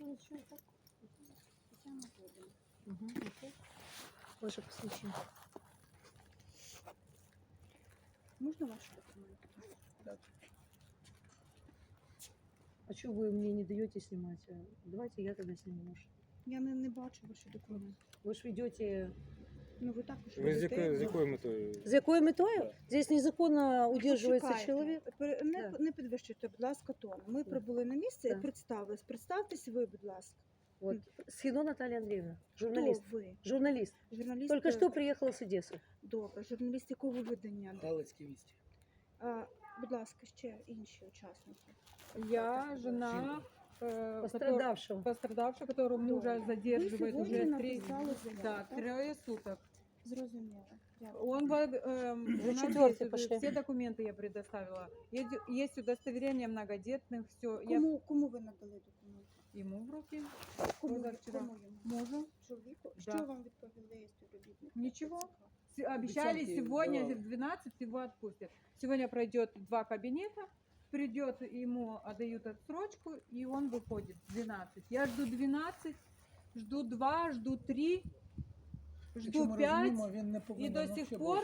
Угу, окей. Ваше посвящение. Можна ваші документи? Так. А что вы мне не даете снимать? Давайте я тогда сниму ваш. Я не бачу ваші документи. Вы ж ведете... Ну ви також Ви з ведете. якою метою? За якою метою? Да. Здесь незаконно удерживается Почекайте. человек. Не, Да. не підвищуйте, будь ласка, тон. Ми Да. прибули на місце і Да. представились. Представтесь ви, будь ласка. Вот. Схино Наталья Андреевна, Хто журналист. ви? Журналист. Журналіст. Только что приехала с Одессы. Добре. Журналіст якого видання? Галицькі вісті. Будь ласка, ще інші учасники. Я жена Пострадавшего. пострадавшего, которого мужа Ви задерживают сьогодні уже написали заяву, да, так? 3 суток. Зрозуміло. Дякую. Он Уже жена четвертый действует, пошли. все документы я предоставила. Есть удостоверение многодетных, все. Я Кому ви надали документи? ему в руки, Кому позавчора. йому? мужу. Чоловіку? Да. Що вам відповіли співробітники? Нічого. ТЦК? Обещали Обещанки сегодня давали. в 12 его отпустят. Сегодня пройдет 2 кабинета, придет, ему отдают отсрочку, и он выходит в 12. Я жду 12, жду 2, жду 3, жду 5. Він не И повинен до сих пор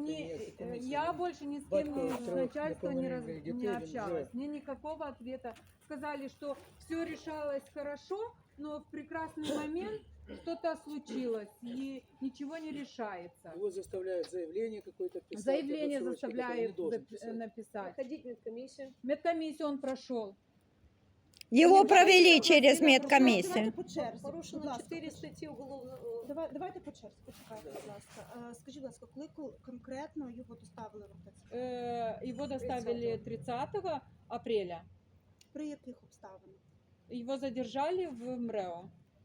я больше ни с кем Батько с трьох начальством неповнолітніх дітей, не він общалась. вже- Мне никакого ответа. Сказали, что все решалось хорошо, но в прекрасный момент что-то случилось и ничего не решается. Его заставляют заявление какое-то писать. Заявление об отсрочке, которое заставляют не должен писать. написать. Ходить в медкомиссию. Медкомиссию он прошел. Его провели через Давайте медкомиссию. по черзі. Будь Порушено ласка, 4 статьи уголовного... Давайте по черзі, почекайте, будь ласка. Скажіть, будь ласка, коли конкретно його доставили в ТЦК? Его доставили 30 апреля. При яких обставинах? Его задержали в МРЭО.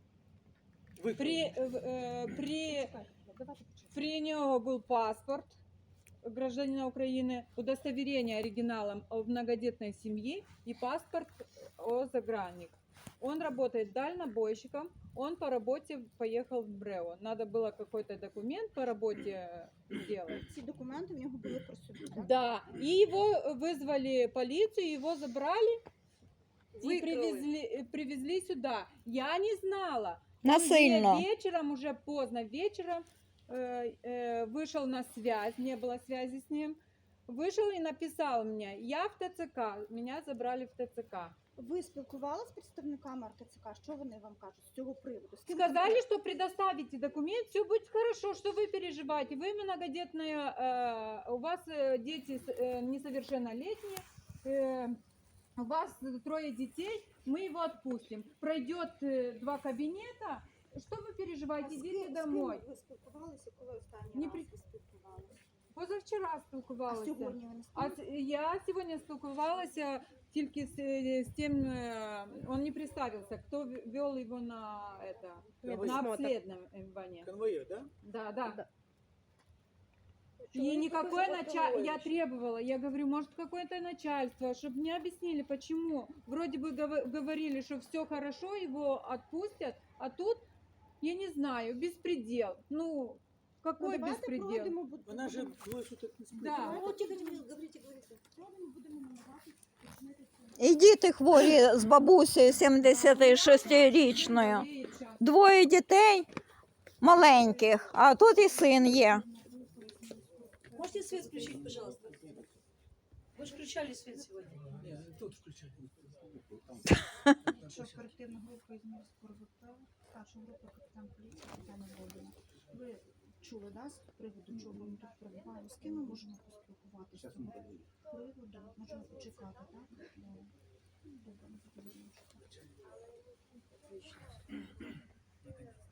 При Чекайте, давайте по черзі. При него был паспорт гражданина Украины, удостоверение оригиналом о многодетной семье и паспорт о загранник. Он работает дальнобойщиком, он по работе поехал в МРЭО. Надо было какой-то документ по работе сделать. Ці документи в нього були при собі, так? Да, и его вызвали полицию, его забрали и Выкрыли. привезли сюда. Я не знала. Насильно. Он вечером, уже поздно вечером, вышел на связь, не было связи с ним, вышел и написал мне: я в ТЦК, меня забрали в ТЦК. Ви спілкувалися з представниками РТЦК? Що вони вам кажуть з цього приводу? З ким Сказали, что предоставите документ, все будет хорошо, что вы переживаете. Вы многодетная, у вас дети несовершеннолетние, у вас 3 детей, мы его отпустим. Пройдет 2 кабинета, что вы переживаете, идите домой. Ви спілкувалися, коли останній Не раз при- ви спілкувалися? Позавчора А спілкувалася. сьогодні ви не А спілкувалися? я сегодня спілкувалася тільки з тем, он не представился, кто вел его на это, на Медосмотр. обследование. Конвоир, да? Да, да. Да. И никакое начальство, я Петрович. требовала, я говорю, может какое-то начальство, чтобы мне объяснили, почему. Вроде бы говорили, что все хорошо, его отпустят, а тут, я не знаю, беспредел. Ну, какой давайте беспредел? пройдемо, Вона же двое суток не спит. Да. Ну, тихо, говорите. Пройдемо, будемо намагатися уточнити цю- І діти хворі з бабусею 76-річною. Двоє дітей маленьких, а тут і син є. Можете свет включить, пожалуйста? Вы же включали свет сегодня. Ні, тут включать. Що оперативна група із міського РВП, старша група капітан поліції Тетяна Володіна. Ви чули, да, з приводу чого ми тут перебуваємо? З ким ми можемо поспілкуватися з цього приводу? Можемо почекати, так? Добре, ми будемо чекати.